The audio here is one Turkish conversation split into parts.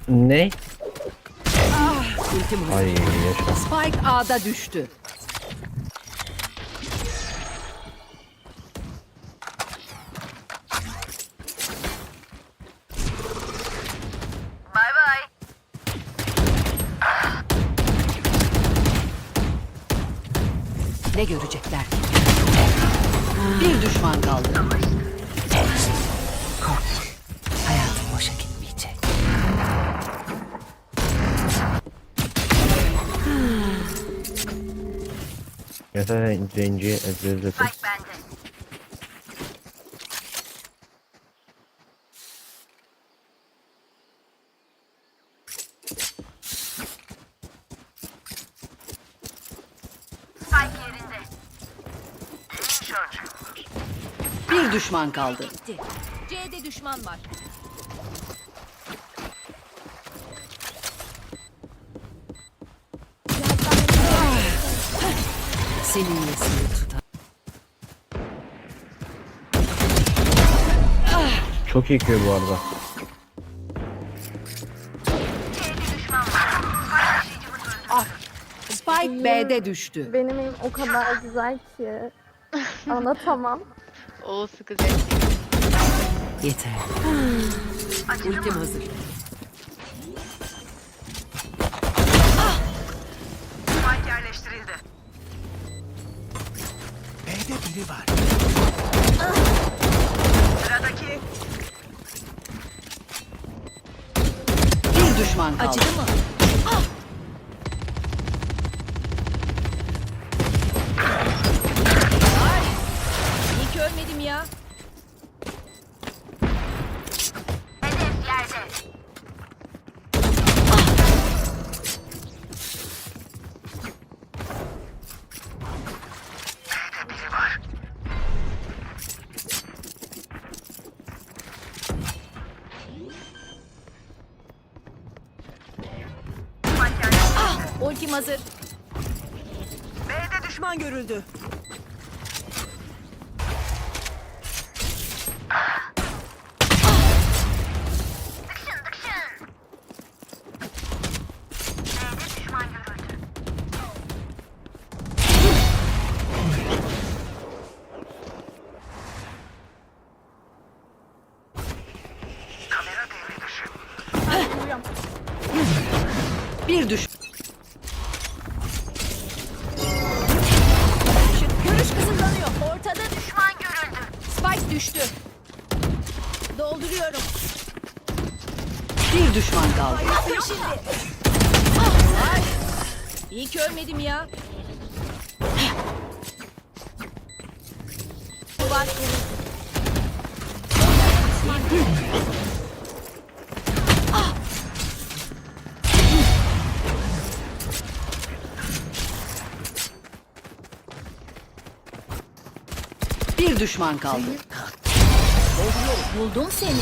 Ne? Ultim Ay yaşa. Spike A'da düştü. Bay bay. Ne görecekler ki? Bir düşman kaldı. Korkma. Hayatım boşa gitmeyecek. Yeter zenci ezberledim. Spike bende. Spike yerinde. Bir düşman kaldı. C'de düşman var. Senin iyisini tutar. Çok iyi köy bu arada. Spike B'de düştü. Benim evim o kadar güzel ki. Anlatamam. O sıkı zevk. Yeter. Ultim hazır. Spike yerleştirildi. B'de biri var. Sıradaki. Bir düşman kaldı. Acıdı mı? Ay! İyi ki ölmedim ya. Hedef yerde. Ultim hazır. B'de düşman görüldü. B'de düşman görüldü. Kamera devre dışı. Bir düş. Görüş kısıtlanıyor. Ortada Düşman görüldü. Spike düştü. Dolduruyorum. Bir düşman kaldı. Yapın şimdi. Ay! İyi ki ölmedim ya. Duvar. Bir düşman kaldı. Buldum seni.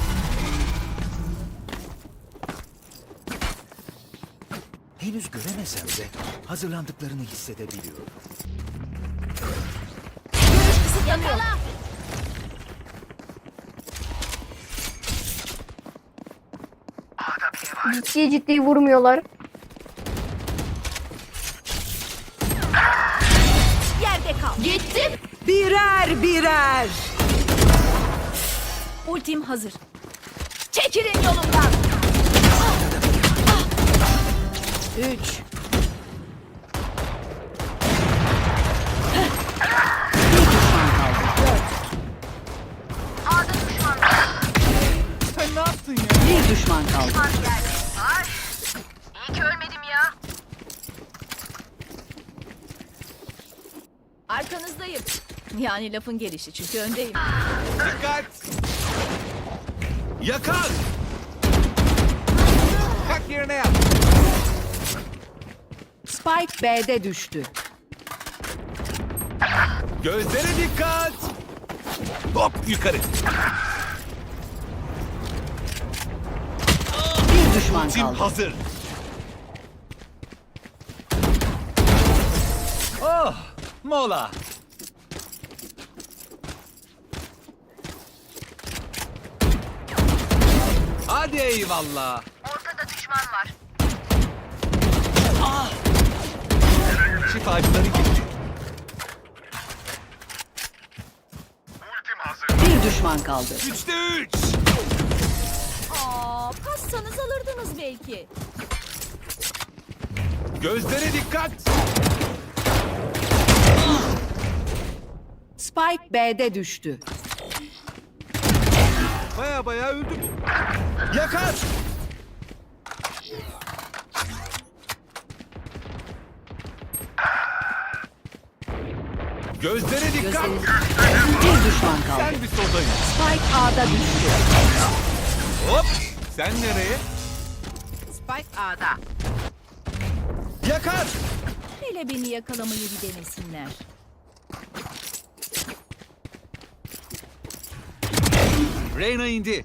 Henüz göremesem de hazırlandıklarını hissedebiliyorum. Görüş kısıtlanıyor. Yakala. Ciddi ciddi vurmuyorlar. Yerde kal. Gittim. Birer birer. Ultim hazır. Çekilin yolumdan. 3. Bir düşman kaldı. A'da düşman. Sen ne yaptın ya? Bir düşman kaldı. Düşman geldi. Ay! İyi ki ölmedim ya. Arkanızdayım. Yani lafın gelişi çünkü öndeyim. Dikkat! Yakal! Kalk yerine yat. Spike B'de düştü. Gözlere dikkat! Hop yukarı. Bir düşman Tim kaldı. hazır. Oh, mola. Hadi eyvallah. Ortada düşman var. Şifacıları gitti. Bir düşman kaldı. 3'te 3. Aa, passanız alırdınız belki. Gözlere dikkat. Spike B'de düştü. Baya öldü bu. Yakar. Gözlere dikkat. Bir düşman kaldı. Sen bir sodayın. Spike A'da düştü. Hop. Sen nereye? Spike A'da. Yakar. Hele beni yakalamayı bir denesinler. Reyna indi.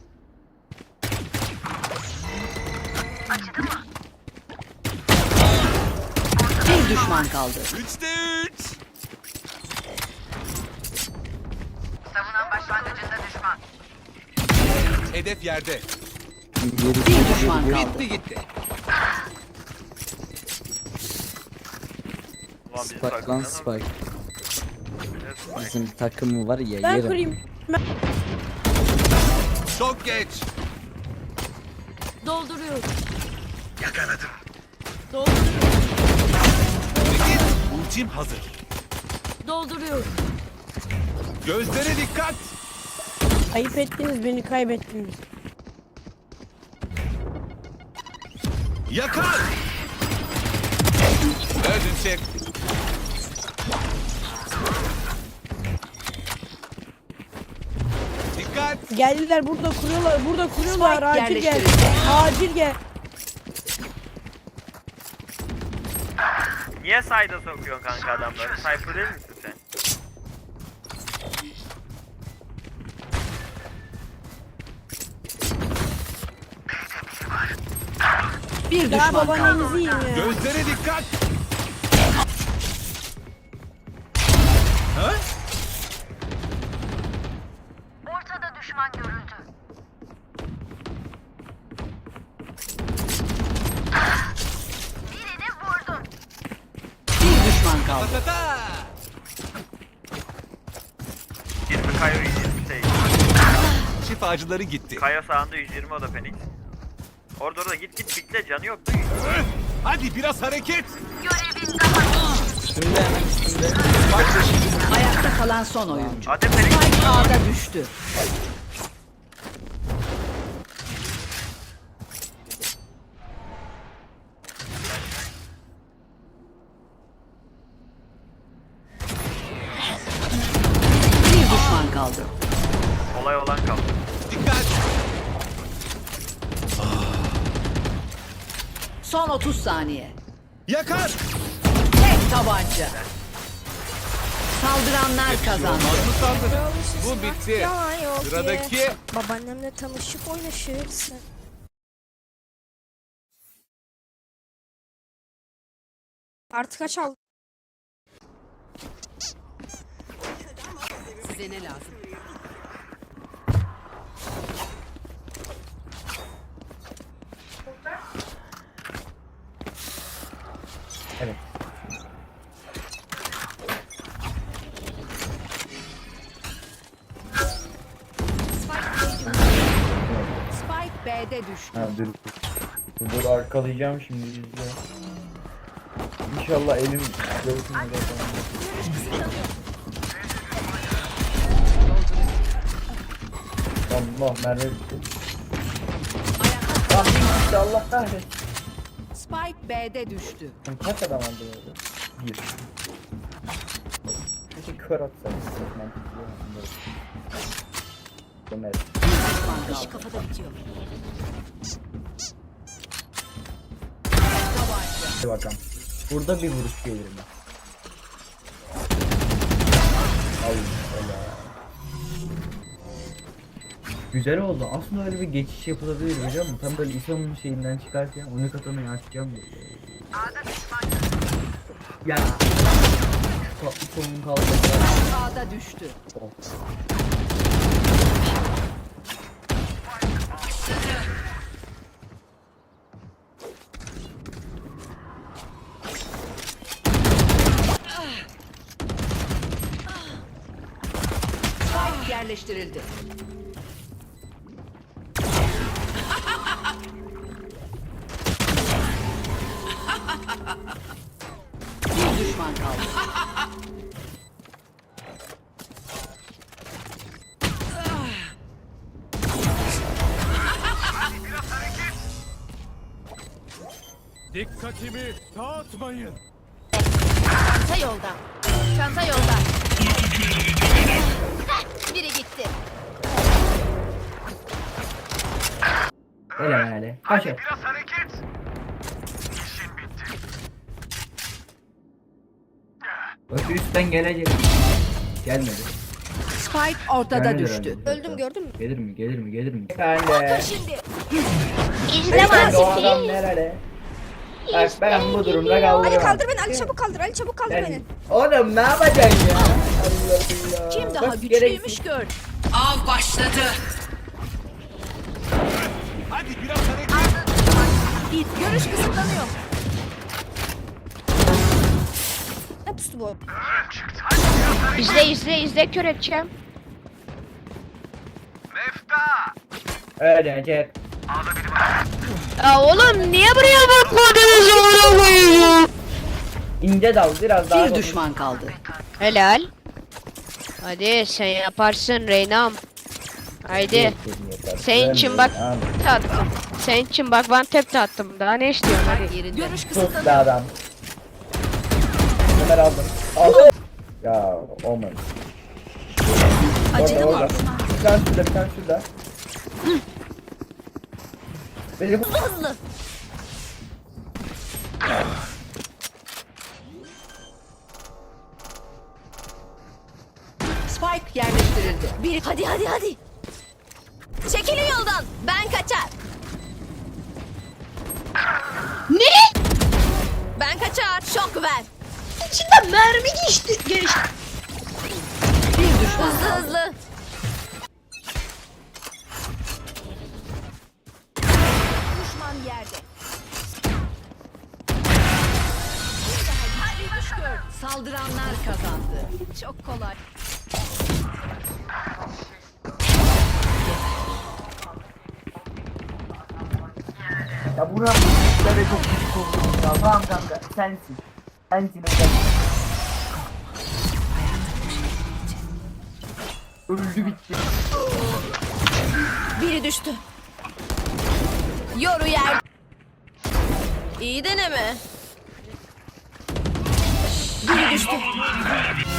Bir düşman kaldı. 3'te 3. Savunan başlangıcında düşman. Hedef yerde. Bir düşman kaldı. Gitti gitti. Spike lan Spike. Bizim takımı var ya Ben yerim. kırayım. Çok geç. Dolduruyorum. Yakaladım. Dolduruyorum. Git. Ultim hazır. Dolduruyorum. Gözlere dikkat. Ayıp ettiniz, beni kaybettiniz. Yakar. Öldün çek. Dikkat. Geldiler, burada kuruyorlar, burada kuruyorlar. Spike Acil gel. yerleştirildi. Acil gel. Niye sayda sokuyorsun kanka adamları? Cypher değil misin sen? Bir Ya düşman kaldı. babaannenizi yiyin ya. Gözlere dikkat. Ha? Ortada düşman görüldü. Birini vurdum. Bir düşman kaldı. Patata. 20 Kayo 120 şey. Şifacıları gitti. Kayo sağında 120 o da Phoenix. Orada git pikle canı yoktu. Hadi biraz hareket. Görevin daha. Üstünde hemen üstünde. Ayakta kalan son oyuncu. Hadi Phoenix. Spike A'da düştü. Bir düşman kaldı. Olay olan kaldı. Dikkat. Son 30 saniye. Yakar. Tek tabanca. Saldıranlar kazandı. Mazlum sandı. Bu bitti. Yalan yok Sıradaki. ya. Babaannemle tanışıp oynaşırsın. Artık kaç aldı? Size ne lazım? Evet. Spike B'de düştü. Ha, dur arkalayacağım şimdi izle. İnşallah elim göğsüme Allah merve bitti. Ah bitti Allah kahretsin. Spike B'de düştü. Kaç adam aldı böyle? Bir. Peki kör atsam çok mantıklı. Ömer. İş kafada bitiyor. Hadi bakalım. Burada bir vuruş gelir mi? Al öyle. Güzel oldu. Aslında öyle bir geçiş yapılabilir biliyor musun? Tam böyle İsa'nın şeyinden çıkarken onu katanayı açacağım böyle. Ya. Tatlı sonun kaldı. A'da düştü. Oh. yerleştirildi. Bir düşman kaldı. Dikkatimi dağıtmayın. Çanta yolda. Çanta yolda. Biri gitti. Öyle yani. Kaç et. Biraz hareket. Ötü üstten gelecek. Gelmedi. Spike ortada Gelmedi düştü. herhalde. Öldüm gördün mü? Gelir mi? Gelir mi? Gelir mi? Efendim. Şimdi. Beyefendi o adam nerede? Bak ben bu durumda kaldım. Ali kaldır beni. Ali çabuk kaldır. Ali çabuk kaldır beni. Oğlum ne yapacaksın ya? Allah Allah. Kim daha Bak, güçlüymüş gör. Av başladı. Hadi biraz hareket. Görüş kısıtlanıyor. Ne pustu bu? İzle kör edeceğim. Mefta. Ölecek. Ya oğlum niye buraya bakmadınız oğlum? İnce dal biraz daha. Bir düşman kaldı. Helal. Hadi sen yaparsın Reynam. Haydi. Senin için bak attım. Senin için bak ben tep de attım. Daha ne istiyorsun hadi. Yerinde. Görüş Sus kısıtlanıyor. be adam. Ömer aldım. Aldım. Ya olmadı. Acıdı mı? Bir tane şurada, bir tane şurada. Benim Hızlı. Spike yerleştirildi. Bir hadi. Çekilin yoldan. Ben kaçar. Ne? Ben kaçar. Şok ver. İçinden mermi geçti. Bir düşman Hızlı kaldı. hızlı. Düşman yerde. Bir daha güçlüymüş gör. Saldıranlar kazandı. Çok kolay. Ya buram böyle çok küçük oldum ya. Tamam kanka sensin. Sensin hocam. Öldü bitti. Biri düştü. Yoru yer. İyi deneme. Biri düştü.